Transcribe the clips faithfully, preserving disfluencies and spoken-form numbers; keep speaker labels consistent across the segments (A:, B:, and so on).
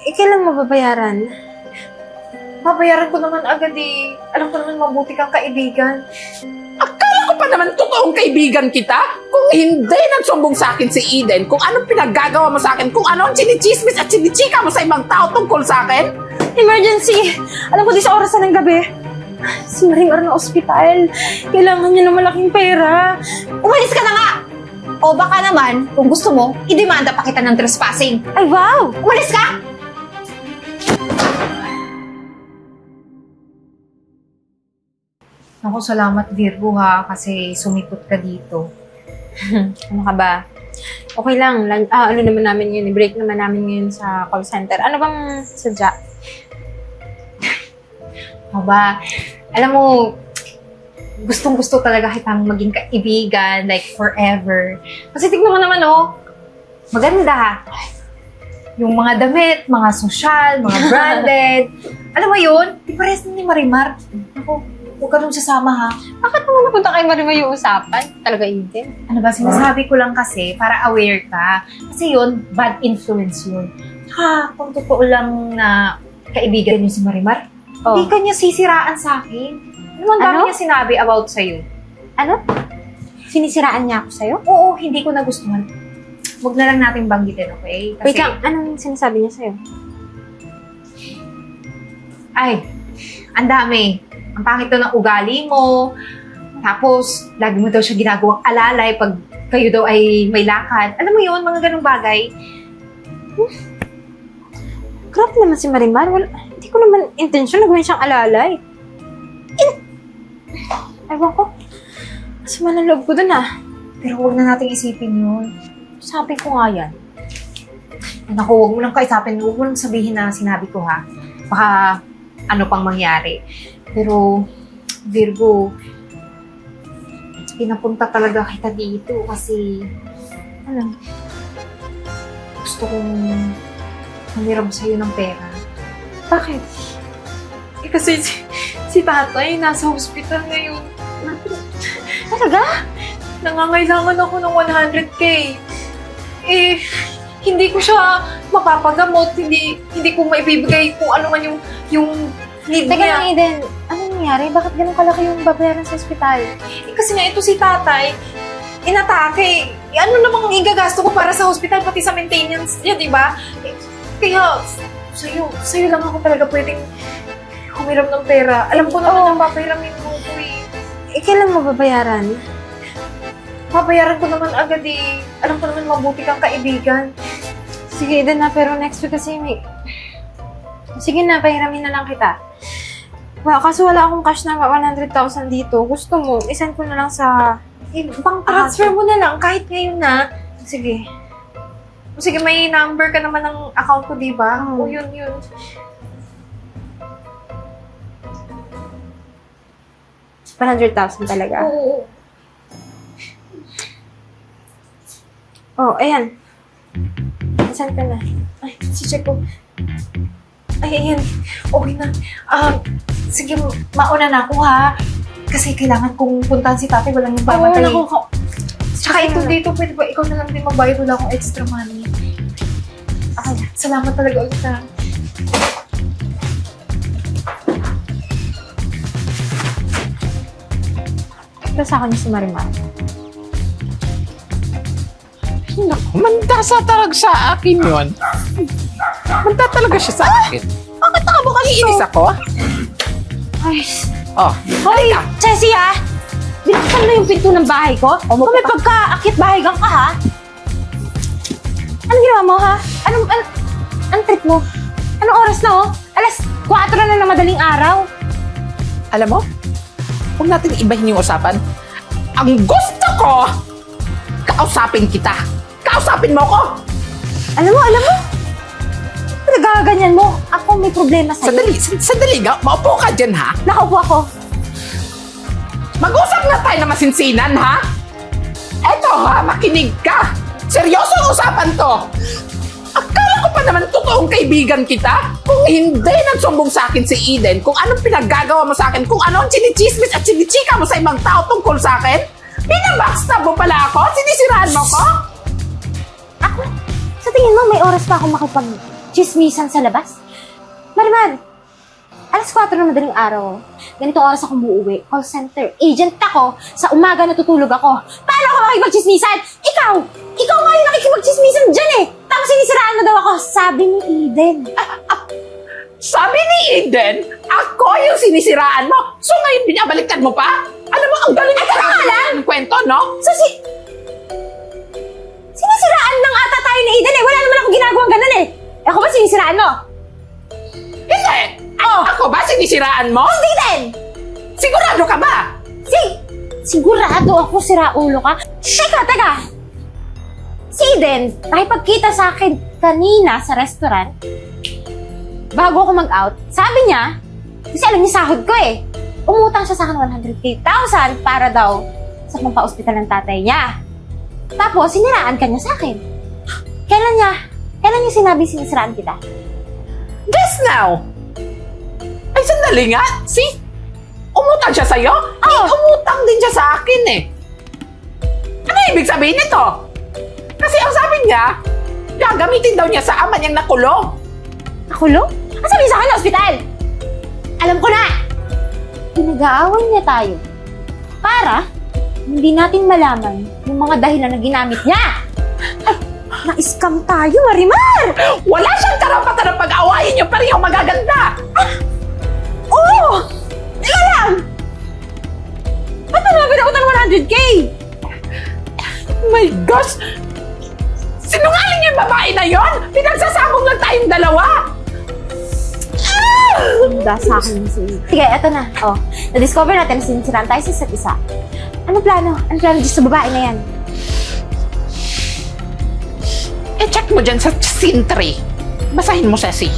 A: Eh, kailan mo babayaran?
B: Babayaran ko naman agad eh. Alam ko naman mabuti kang kaibigan.
C: Akala ko pa naman totoong kaibigan kita. Kung hindi nagsumbong sa akin si Eden, kung anong pinaggagawa mo sa akin, kung ano ang chinichismis at chinichika mo sa ibang tao tungkol sa akin.
A: Emergency! Alam ko di sa oras na ng gabi. Si Marimar na ospital. Kailangan niya ng malaking pera.
D: Umalis ka na nga! O baka naman, kung gusto mo, idemanda pa kita ng trespassing.
A: Ay, wow!
D: Umalis ka!
B: Ako, salamat Virgo ha, kasi sumipot ka dito.
A: Ano ka ba? Okay lang. Lan- ah, ano naman namin yun? I-break naman namin yun sa call center. Ano bang sadya?
B: Ako ba, alam mo, gustong-gusto talaga kitang maging kaibigan, like forever. Kasi tignan mo naman oh, maganda. Yung mga damit, mga social, mga branded. Alam mo yun, di pares na ni Marimar. Ako, huwag ka nung sasama ha.
A: Bakit naman napunta kay Marimar yung usapan? Talaga, Eden?
B: Ano ba, sinasabi ko lang kasi para aware ka. Kasi yun, bad influence yun. Ha, kung totoo lang na kaibigan niyo si Marimar,
A: Oh.
B: hindi ka niya sisiraan sa akin. Ano ang dami
A: Ano?
B: niya sinabi about sa'yo?
A: Ano? Sinisiraan niya ako sa'yo?
B: Oo, hindi ko nagustuhan. Huwag na lang natin banggitin, okay? Kasi,
A: Wait lang, anong sinasabi niya sa'yo?
B: ay, ang dami. Ang pangit daw ng ugali mo. Tapos, lagi mo daw siya ginagawang alalay pag kayo daw ay may lakad. Alam mo yun, mga ganong bagay.
A: Grabe naman si Marimar. Wala, hindi ko naman intensyon na gawin siyang alalay. In... Ewan ko. Masama ng loob ko dun ah.
B: Pero huwag na natin isipin yun. Sabi ko nga yan. Ay, naku, huwag mo lang kaisapin. Huwag mo lang sabihin na sinabi ko ha. Baka ano pang mangyari. Pero, Virgo, pinapunta talaga kita dito kasi, ano, gusto kong humiram sa'yo ng pera.
A: Bakit?
B: Eh, kasi si, si tatay nasa hospital ngayon.
A: Talaga?
B: Nangangailangan ako ng one hundred K. Eh, hindi ko siya mapapagamot. Hindi hindi ko maibibigay kung ano man yung, yung need
A: Teka
B: niya.
A: lang, Eden. Ano nangyari? Bakit ganun kalaki yung babayaran sa ospital?
B: Eh, kasi nga ito si tatay, inatake. Eh, ano namang igagasto ko para sa hospital, pati sa maintenance niya, di ba? Eh, kaya, sa'yo, sa'yo lang ako talaga pwedeng humiram ng pera. Alam ko naman ang papahiramin mo ko eh.
A: Eh, kailan mo babayaran?
B: Papayaran ko naman agad eh. Alam ko naman mabuti kang kaibigan.
A: Sige, Eden na, pero next week kasi may... Sige na, pahiramin na lang kita. Wow, kaso wala akong cash na one hundred thousand dito. Gusto mo, isend ko na lang sa...
B: Eh, bang transfer mo na lang kahit ngayon na. Sige. O sige, may number ka naman ng account ko, di ba?
A: Hmm.
B: O yun, yun.
A: one hundred thousand talaga.
B: Oo.
A: Oh, ayan. Isend ko na.
B: Ay, si-check ko. Ay, ayan. Okay na. Um, sige, mauna na ako ha. Kasi kailangan kong puntahan si tatay. Walang yung
A: Oo,
B: babantay.
A: naku, ko.
B: Tsaka ito dito, pwede ba ikaw na lang din magbayad? Wala akong extra money. Ay, salamat talaga ulit ha.
A: Ito sa akin si Marimar.
C: Naku, mandasa talaga sa akin yun. Manda talaga siya sa akin.
A: Bakit nakabukas to?
C: Iinis ako.
A: Ay,
C: Oh,
A: Hoy, Jessie ha! Binuksan mo yung pinto ng bahay ko? Kung may pagka-akit bahay gang ka ha? Anong ginawa mo ha? Anong, an, anong trip mo? Anong oras na oh? Alas kwatro na ng madaling araw.
C: alam mo, huwag natin ibahin yung usapan. Ang gusto ko, kausapin kita. Kausapin mo ko.
A: Alam mo, alam mo? Nagaganyan mo. Ako may problema sa'yo.
C: Sandali, sand- sandali nga. Maupo ka dyan, ha?
A: Nakaupo ako.
C: Mag-usap na tayo na masinsinan, ha? Eto, ha? Makinig ka. Seryoso ang usapan to. Akala ko pa naman totoong kaibigan kita. Kung hindi nagsumbong sa akin si Eden, kung anong pinaggagawa mo sa akin, kung ano ang chinichismis at chinichika mo sa ibang tao tungkol sa akin, binabackstab mo pala ako? Sinisiraan mo ko?
A: Ako? Sa tingin mo, may oras pa ako makipag magchismisan sa labas? Marimar, alas kwatro ng madaling araw. Ganitong oras ako uuwi. Call center agent ako. Sa umaga natutulog ako. Paano ako makikipagchismisan? Ikaw! Ikaw nga yung nakikipagchismisan dyan eh! Tapos sinisiraan mo daw ako. Sabi ni Eden.
C: Sabi ni Eden, ako yung sinisiraan mo. So ngayon binabaliktad mo pa? Alam mo, ang galing ng kwento, no?
A: So si... Sinisiraan lang ata tayo ni Eden eh. Wala naman ako ginagawang ganun eh. Ako ba sinisiraan mo?
C: Hindi!
A: Oh.
C: Ako ba sinisiraan mo?
A: Hindi din!
C: Sigurado ka ba?
A: Si... Sigurado ako siraulo ka. Teka, teka! Si Eden, nakipagkita sa akin kanina sa restaurant. Bago ako mag-out, sabi niya, kasi alam niya sahod ko eh, umutang siya sa akin one hundred thousand para daw sa pampa-ospital ng tatay niya. Tapos, siniraan ka niya sa akin. Kailan niya, kailan niya sinabi sinisiraan kita?
C: Guess now! Ay, sandali nga. Si, umutang siya sa'yo?
A: Oo.
C: Eh, umutang din siya sa akin eh. Ano ibig sabihin nito? Kasi ang sabi niya, gagamitin daw niya sa ama niyang nakulong.
A: Nakulong? Ang sabi niya sa akin na ospital? Alam ko na! Pinag-aawan niya tayo para hindi natin malaman yung mga dahilan na ginamit niya. Ay, na-scam tayo, Marimar!
C: Wala siyang karapatan na pag-awayin niyo parehong magaganda.
A: Oo! Teka lang! Ba't mo naman pinakutang one hundred K?
C: My gosh! Sinungaling yung babae na yon? Pinagsasabong lang tayong dalawa!
A: Handa sa akin si... Sige, eto na. Oh, na-discover natin na sinisiraan tayo sa isa't isa. Ano plano? Ano plano dito sa babae na yan?
C: Eh, check mo dyan sa scene three. Basahin mo, Ceci.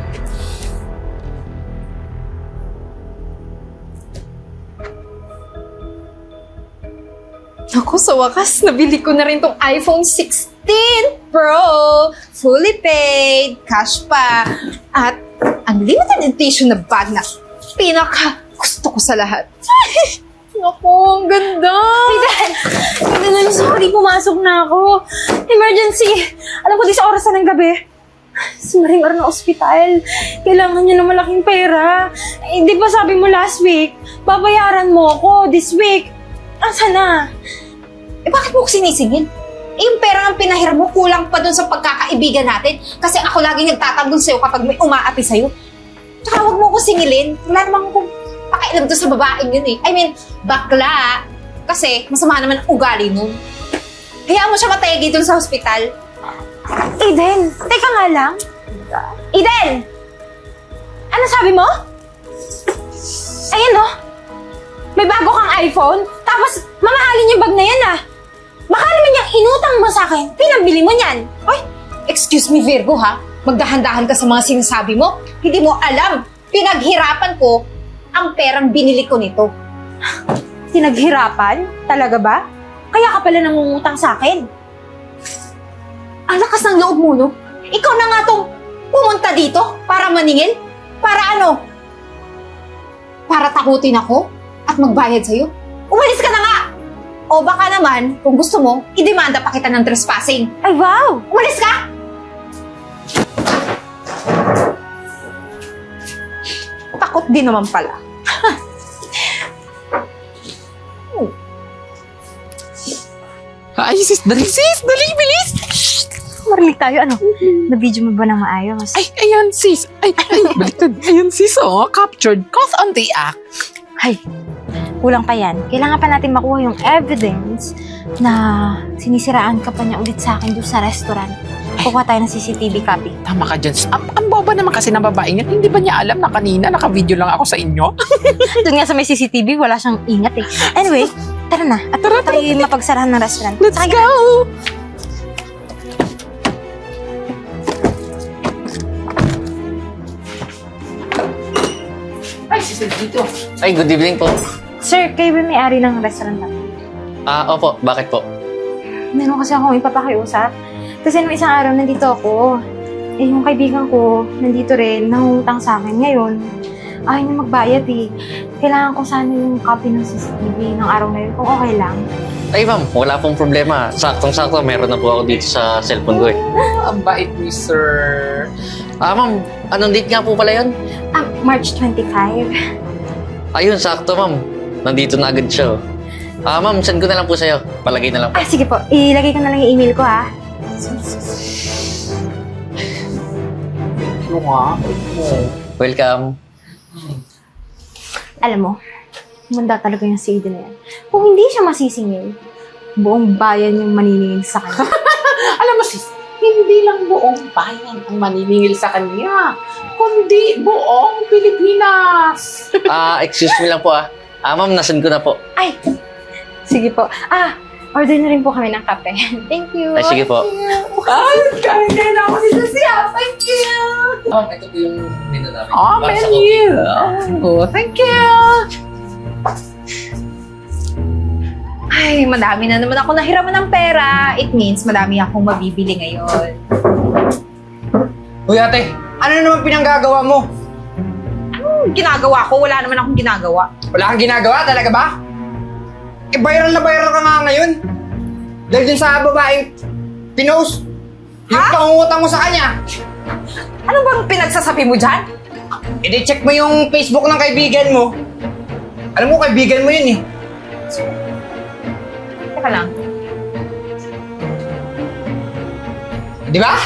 B: Ako, sa wakas, nabili ko na rin tong iPhone sixteen Pro. Fully paid, cash pa, at unlimited edition na bag na pinaka gusto ko sa lahat. Naku, ang ganda!
A: Eden! Eden, I'm sorry. Pumasok na ako. Emergency! Alam ko di sa oras na ng gabi. Si Marimar na ospital. Kailangan niya ng malaking pera. Eh, di ba sabi mo last week, babayaran mo ako this week. Asa na?
D: Eh bakit mo ko sinisingil? Eh yung pera ng pinahiram mo kulang pa dun sa pagkakaibigan natin kasi ako laging nagtatanggol sa'yo kapag may umaapi sa'yo. Tsaka huwag mo ko singilin. Wala naman akong pakialam doon sa babaeng yun eh. I mean, bakla. Kasi masama naman ang ugali nun. Hayaan mo siya matayagi dun sa hospital.
A: Eden, teka nga lang. Eden! Ano sabi mo? Ayan oh. May bago kang iPhone, tapos mamahalin yung bag na yan ah. Baka naman yung inutang mo sa akin, pinambili mo niyan.
D: Ay, excuse me Virgo ha. Magdahan-dahan ka sa mga sinasabi mo. Hindi mo alam. Pinaghirapan ko ang perang binili ko nito.
A: Pinaghirapan? Talaga ba? Kaya ka pala nangungutang sa akin.
D: Ang lakas ng loob mo, no? Ikaw na nga tong pumunta dito para maningil? Para ano? Para takutin ako at magbayad sa'yo? Umalis ka na nga! O baka naman, kung gusto mo, idemanda pa kita ng trespassing.
A: Ay wow!
D: Umalis ka!
B: Takot din naman pala.
C: Ay, sis, dali, sis! Dali, bilis!
A: Marilig tayo, ano? Na-video mo ba na maayos?
C: Ay, ayan, sis! Ay, ay, baliktad. Ayan, sis, oh. Captured. Cause on the act.
A: Ay, kulang pa yan. Kailangan pa natin makuha yung evidence na sinisiraan ka pa niya ulit sa akin doon sa restaurant. Kukuha tayo ng C C T V copy.
C: Tama ka dyan. sis. Ang, ang boba naman kasi ng babae niya. Hindi ba niya alam na kanina naka-video lang ako sa inyo?
A: Doon nga sa may C C T V, wala siyang ingat eh. Anyway, tara na. At tara, tayo mapagsarahan ng restaurant.
C: Let's
A: Sakay ka
C: go! Ay, sis, dito.
E: Ay, good evening po.
A: Sir, kayo ba may-ari ng restaurant natin?
E: Ah, opo. Bakit po?
A: Meron kasi akong ipapakiusap. Kasi nung isang araw nandito ako, eh yung kaibigan ko nandito rin, nangungutang sa akin. Ngayon, ayaw niya magbayad eh. Kailangan ko sana yung copy ng C C T V ng araw na yun, kung okay lang.
E: Ay, ma'am. Wala pong problema. Saktong-sakto. Meron na po ako dito sa cellphone ko eh.
C: Ang bait ni sir.
E: Ah, ma'am, anong date nga po pala yun?
A: Ah, March twenty-five.
E: Ayun, sakto, ma'am. Nandito na agad siya, oh. Ah, ma'am, send ko na lang po sa'yo. Palagay na lang po.
A: Ah, sige po. Ilagay ko na lang yung email ko, ha?
C: Ano nga?
E: Welcome.
A: Alam mo, manda talaga yung si Eden na yan. Kung hindi siya masisingil, buong bayan yung maniningil sa kanya.
C: Alam mo sis, hindi lang buong bayan ang maniningil sa kanya, kundi buong Pilipinas.
E: Ah, excuse me lang po, ah. Ah, ma'am, nasend ko na po.
A: Ay, sige po. Ah, order na rin po kami ng kape. Thank you.
E: Ay, sige po.
C: Ay, kaya na ako si Lucia. Thank you.
E: Ma'am, ito po yung menu namin.
C: Oh, menu. Oh, thank you.
B: Ay, madami na naman ako nahiraman ng pera. It means madami akong mabibili ngayon.
F: Uy ate, ano na naman pinanggagawa mo?
B: Anong ginagawa ko? Wala naman akong ginagawa.
F: Wala kang ginagawa talaga ba? Eh, viral na viral ka nga ngayon. Dahil dun sa babaeng pinost. Yung pangungutang mo sa kanya.
B: Ano bang pinagsasabi mo dyan?
F: E di check mo yung Facebook ng kaibigan mo. Alam mo, kaibigan mo yun eh.
B: Teka lang.
F: Di ba?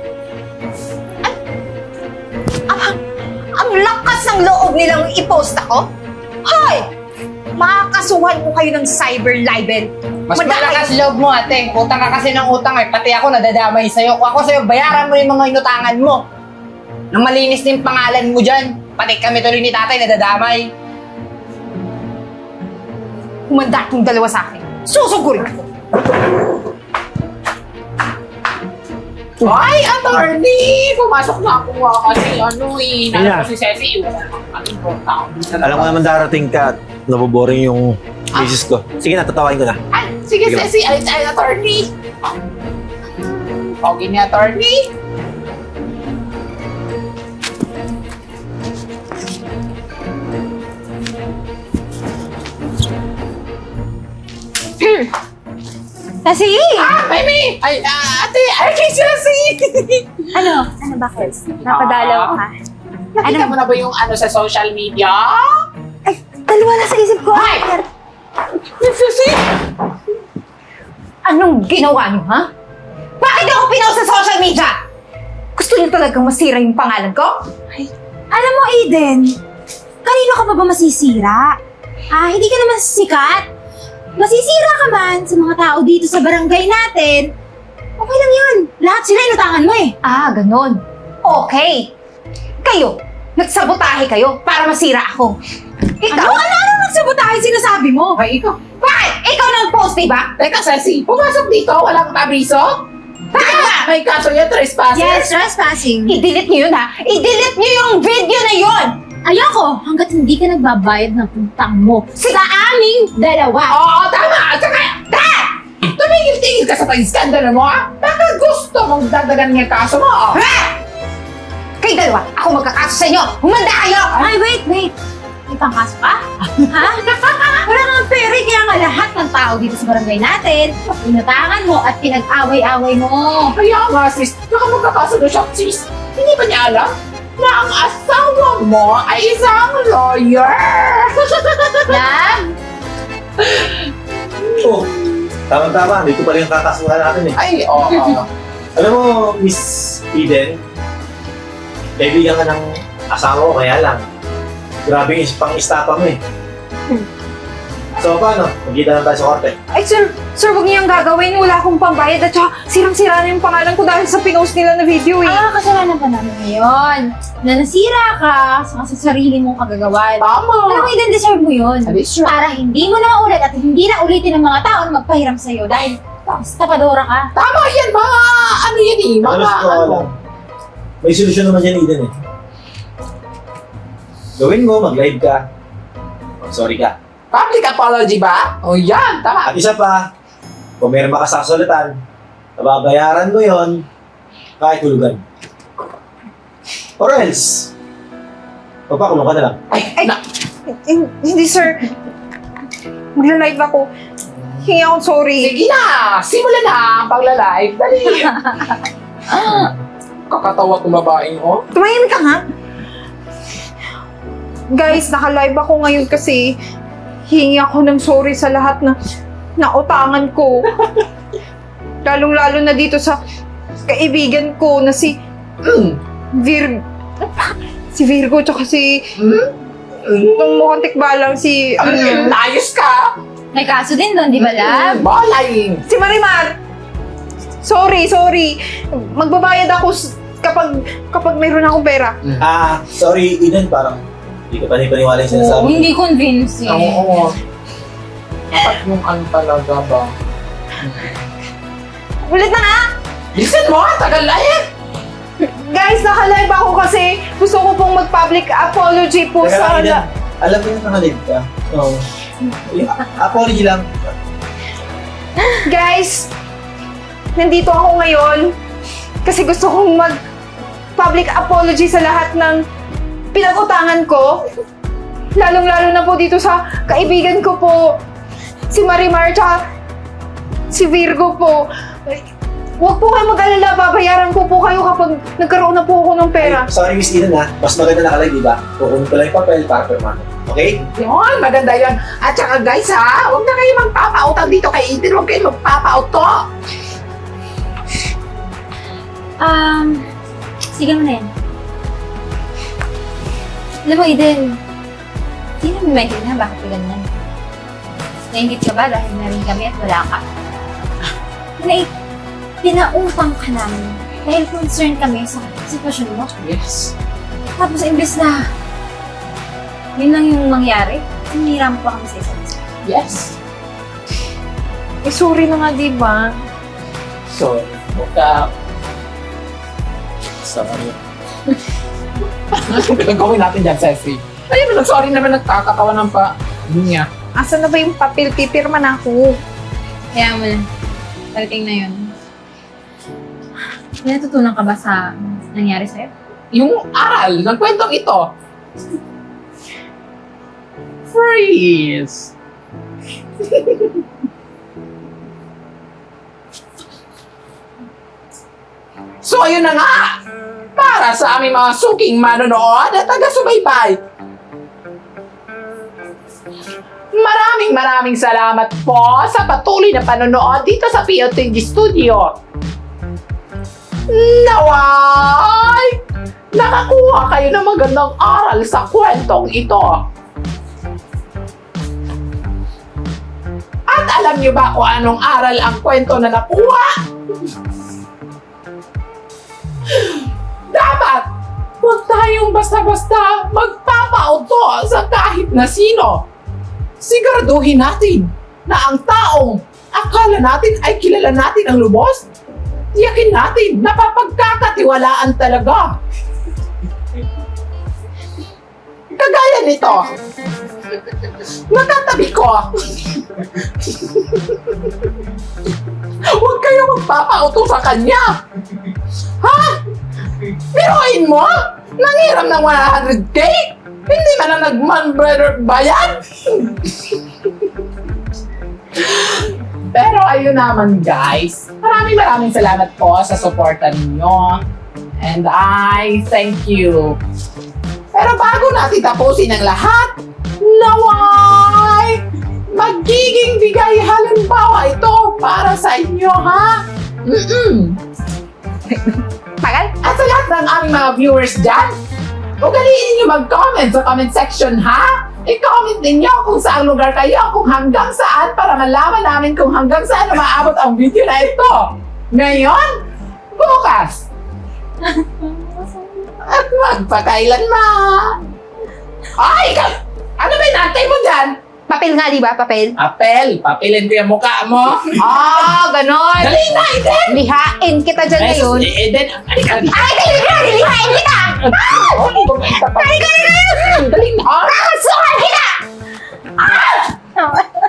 D: Ang lakas ng loob nilang i-post ako? Hoy! Makakasuhan ko kayo ng cyber libel.
F: Mas
D: Madami.
F: malakas loob mo ate. Utang ka kasi ng utang eh. Pati ako nadadamay sa'yo. Kung ako sa'yo, bayaran mo yung mga inutangan mo. Nang malinis na yung pangalan mo dyan. Pati kami tuloy ni tatay nadadamay.
D: Humanda itong dalawa sa akin. Susugurin ko.
C: Ay, attorney! Pumasok na ako nga kasi ano eh. Nalo
G: Yeah.
C: ko si Ceci. Wala nang anong tao.
G: Alam ko naman darating ka at naboboring yung misis ko. Sige na, tatawain ko na.
C: Ay, sige,
G: Sige lang.
C: Ceci. Ay, ay, attorney. Okay ni attorney.
A: Kasi,
C: Ah, Mimi! Ay, ah, ate! Ay, kay Ceci!
A: ano? Ano bakit? Napadalaw ka?
C: Nakita mo na ba yung ano sa social media?
A: Ay, dalawa na sa isip ko.
C: Ay! Ceci!
D: Anong ginawa niyo, ha? Bakit ako pinost sa social media? Gusto niyo talagang masira yung pangalan ko?
A: Alam mo, Eden, kanino ka pa ba masisira? Ah, hindi ka naman sikat. Masisira ka man sa mga tao dito sa barangay natin. Okay lang yun. Lahat sila inutangan mo eh.
D: Ah, ganun. Okay. Kayo, nagsabotahe kayo para masira ako. Ikaw?
A: Ano? Ano? Ano nagsabotahe sinasabi mo?
C: Ay, ikaw.
D: Bakit? Ikaw nang post, diba?
C: Teka, Ceci, pumasok dito, walang abiso? Bakit ba? May kaso yan, trespassers?
A: Yes, trespassing.
D: I-delete niyo yun, ha? I-delete niyo yung video na yun!
A: Ayoko, hanggat hindi ka nagbabayad ng utang mo sa aming dalawa.
C: Oo, tama! At saka, ta! Tumigil-tigil ka sa pag-skandalo mo, ha? Baka gusto mong dagdagan niya kaso mo, oh.
D: Ha? Kayo dalawa, ako magkakaso sa inyo! Humanda kayo!
A: Ay, wait, wait. May pangkaso ka? Ha? Wala kang pera, kaya nga lahat ng tao dito sa barangay natin, inutangan mo at pinag-away-away mo.
C: Kaya nga, sis, baka magkakaso na siya, sis. Hindi ba niya alam na ang asawa mo ay isang lawyer?
A: Yan.
G: Oh, tama-tama. Dito pa rin yung kakasuhan natin eh.
C: Ay, oo.
G: Alam mo, Miss Eden, kaibigan ka ng asawa ko, kaya lang. Grabe yung pang-istapa mo eh. So, paano? Magkita lang tayo sa korte.
B: Ay, sir, sir, huwag niyang gagawin. Wala akong pambayad at saka sirang-sira na yung pangalan ko dahil sa pinost nila na video eh.
A: Ah, kasalanan pa namin ngayon. Na nasira ka sa, sa sarili mong kagagawan.
C: Tama.
A: Alam mo, Eden, deserve mo yun.
C: That is true.
A: Para hindi mo na maulit at hindi na ulitin ng mga tao na magpahiram sa'yo dahil tapadora ka.
C: Tama yan, mga ano yan eh, mga
G: Alam ko,
C: ano.
G: alam. May solusyon naman yan, Eden eh. Gawin mo, mag-live ka. Mag-sorry ka.
C: Public apology ba? O yan, tama.
G: At isa pa, kung meron makasasulitan, nababayaran mo yon kahit hulugan. Or else, papakulong ka na lang.
C: Ay,
B: Ay,
C: na,
B: hin- hindi, sir. Magla-live ako. Hingi akong sorry.
C: sige na, simulan na ang pagla-live. Dali. Kakatawa kong babaeng, oh.
D: Tumahimik ka nga. Guys, naka-live ako ngayon kasi hingi ako ng sorry sa lahat na nautangan ko. Lalong-lalo na dito sa kaibigan ko na si
C: Mm.
D: Vir... Si Virgo tsaka si...
C: Mm.
D: Itong mukhang tikbalang si...
C: Ano yun? Ayos ka!
B: May kaso din doon, di ba, love?
C: Balay!
D: Si Marimar! Sorry, sorry. Magbabayad ako s- kapag kapag mayroon akong pera.
G: Ah, sorry, Eden, parang hindi ko panipaniwala yung sinasabi.
B: Hindi convincing.
C: Oo. Dapat yung ano talaga ba?
D: Ulit na nga!
C: Listen mo, tagal na yan!
D: Guys, naka-live ako kasi gusto ko pong mag-public apology po
G: Teka lang,
D: sa...
G: Eden, alam mo yung nakalive ka. So, yung apology lang.
D: Guys, nandito ako ngayon kasi gusto kong mag-public apology sa lahat ng pinag-utangan ko. Lalong-lalo na po dito sa kaibigan ko po, si Marimar, tsaka si Virgo po. Huwag po kayo mag-alala, babayaran ko po kayo kapag nagkaroon na po ako ng pera.
G: Ay, sorry, Miss Eden ha. Mas maganda nakalive, di ba? Kukunin ko lang yung papel para permano. Okay?
C: Yun, maganda yun. At saka guys ha, huwag na kayo magpapautang dito kay Eden. Huwag kayo magpapauto.
B: Um, sige mo na yan. Alam mo, Eden, hindi namin maintindihan bakit ka ganyan. Naingit ka ba dahil na rin kami at wala ka? Pinai pinautang ka namin dahil concerned kami sa sitwasyon mo.
C: Yes.
B: Tapos imbes na yun lang yung mangyari, hiniram pa kami sa isa't isa.
C: Yes.
D: Eh, sorry na nga, di ba?
C: So, huwag ka... Sorry. Anong gagawin natin dyan, Ceci? Ayun, nag-sorry naman, nagkakatawa ng pa... Niya.
D: Asan na ba yung papel? Pipirma na ako.
B: Kaya mo na, talating na yun. May natutunan ka ba sa nangyari sa'yo?
C: Yung aral ng kwentong ito. Freeze! So, ayun na nga! Para sa aming mga suking manonood at taga-subaybay. Maraming maraming salamat po sa patuloy na panonood dito sa P O T G Studio. Naway! Nakakuha kayo ng magandang aral sa kwentong ito. At alam niyo ba kung anong aral ang kwento na nakuha? Dapat, huwag tayong basta-basta magpapauto sa kahit na sino. Siguraduhin natin na ang taong akala natin ay kilala natin ang lubos, tiyakin natin na papagkakatiwalaan talaga. Kagaya nito, nakatabi ko. Huwag kayo magpapauto sa kanya. Ha? Biruin mo? Nangiram ng one hundred K? Hindi man na nag-man brother bayan? Pero ayun naman guys, maraming maraming salamat po sa suporta ninyo. And I thank you. Pero bago natin tapusin ang lahat, naway! Magiging bigay halimbawa ito para sa inyo, ha? Mm-mm.
D: Tagal?
C: At sa lahat ng aming mga viewers dyan, ugaliin ninyo mag-comment sa comment section, ha? I-comment ninyo kung saan lugar kayo, kung hanggang saan, para malaman namin kung hanggang saan na maabot ang video na ito. Ngayon, bukas. At magpakailanman. Ay, ikaw! Ano ba inantay mo dyan?
D: Papel nga, di ba? Papel?
C: Papel. Papelin ko yung mukha mo.
D: Ah, ganon.
C: Dali na, Eden!
D: Lihain kita dyan ngayon.
C: Eh, Eden, ano ka?
D: Ay, dali ka! Lihain kita!
C: Dali ka! Dali na!
D: Ah, sukan kita! Ah!